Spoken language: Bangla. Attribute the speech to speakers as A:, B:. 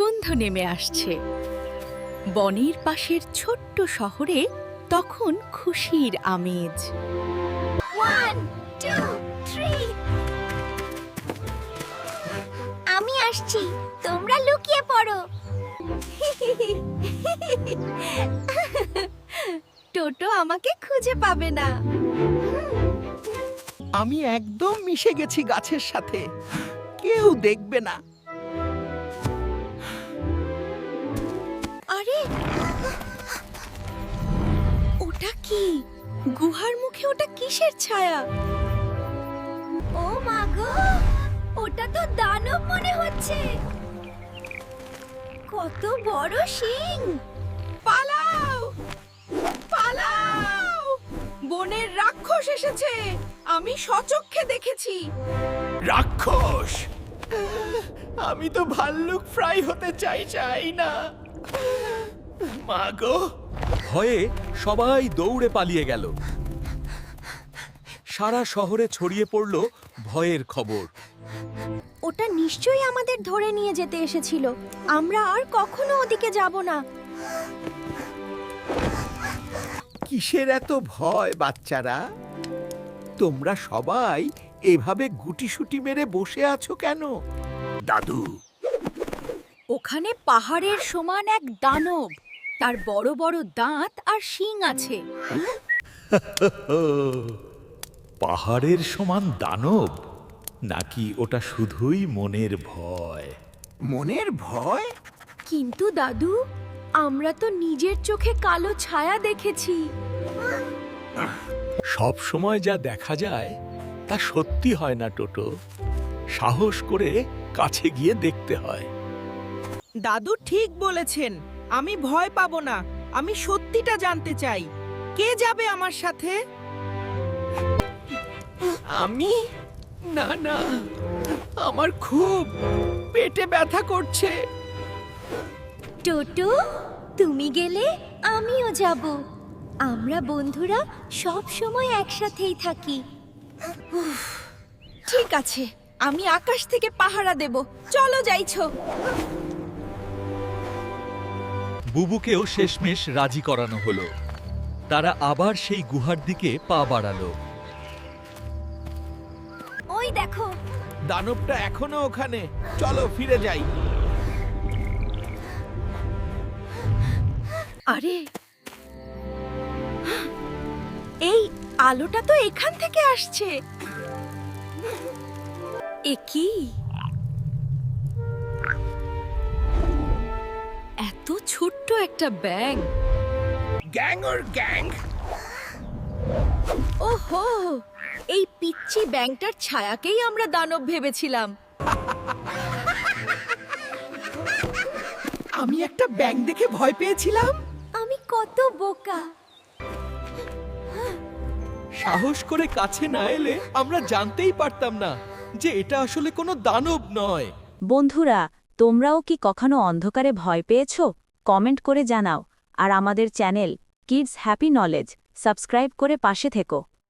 A: সন্ধ্যা নেমে আসছে। বনের পাশের ছোট্ট শহরে তখন খুশির আমেজ।
B: 1 2 3 আমি আসছি, তোমরা লুকিয়ে পড়ো।
A: টোটো আমাকে খুঁজে পাবে না।
C: আমি একদম মিশে গেছি গাছের সাথে, কেউ দেখবে না।
A: আরে ওটা কি? গুহার মুখে ওটা কিসের ছায়া?
B: ও মা গো, ওটা তো দানব মনে হচ্ছে। কত বড় শিং!
A: পালাও পালাও, বনের রাক্ষস এসেছে, আমি সচক্ষে দেখেছি।
C: রাক্ষস! আমি তো ভাল্লুক ফ্রাই হতে চাই না। মা গো!
D: ভয়ে সবাই দৌড়ে পালিয়ে গেল। সারা শহরে ছড়িয়ে পড়ল ভয়ের খবর।
B: ওটা নিশ্চয়ই আমাদের ধরে নিয়ে যেতে এসেছিল। আমরা আর কখনো ওদিকে যাব না।
C: কিসের এত ভয় বাচ্চারা? তোমরা সবাই এভাবে গুটিসুটি মেরে বসে আছো কেন? দাদু,
A: ওখানে পাহাড়ের সমান এক দানব, তার বড় বড় দাঁত আর শিং আছে।
D: পাহাড়ের সমান দানব, নাকি ওটা শুধুই মনের ভয়?
C: মনের ভয়?
A: কিন্তু দাদু, আমরা তো নিজের চোখে কালো ছায়া দেখেছি।
D: সব সময় যা দেখা যায় তা সত্যি হয় না টোটো। সাহস করে কাছে গিয়ে দেখতে হয়।
E: দাদু ঠিক বলেছেন, আমি ভয় পাবো না। আমি সত্যিটা জানতে চাই। কে যাবে আমার সাথে?
C: আমি? না না, আমার খুব পেটে ব্যথা করছে।
B: টোটো, তুমি গেলে আমিও যাব। আমরা বন্ধুরা সব সময় একসাথেই থাকি।
A: ঠিক আছে, আমি আকাশ থেকে পাহারা দেব। চলো যাইছো।
D: বুবুকেও শেষমেশ রাজি করানো হলো। তারা আবার সেই গুহার দিকে পা বাড়ালো।
B: ওই দেখো,
C: দানবটা এখনো ওখানে, চলো ফিরে যাই।
A: আরে এই আলোটা তো এখান থেকে আসছে। এ কি? এত ছোট্ট একটা ব্যাঙ।
C: গ্যাং ওর গ্যাং!
A: ওহো, এই পিচ্চি ব্যাঙটার ছায়াকেই আমরা দানব ভেবেছিলাম।
C: আমি একটা ব্যাং দেখে ভয় পেয়েছিলাম।
B: আমি কত বোকা।
D: সাহস করে কাছে না এলে আমরা জানতেই পারতাম না যে এটা আসলে কোনো দানব নয়।
F: বন্ধুরা, তোমরাও কি কখনো অন্ধকারে ভয় পেয়েছো? কমেন্ট করে জানাও। আর আমাদের channel kids happy knowledge subscribe করে পাশে থেকো।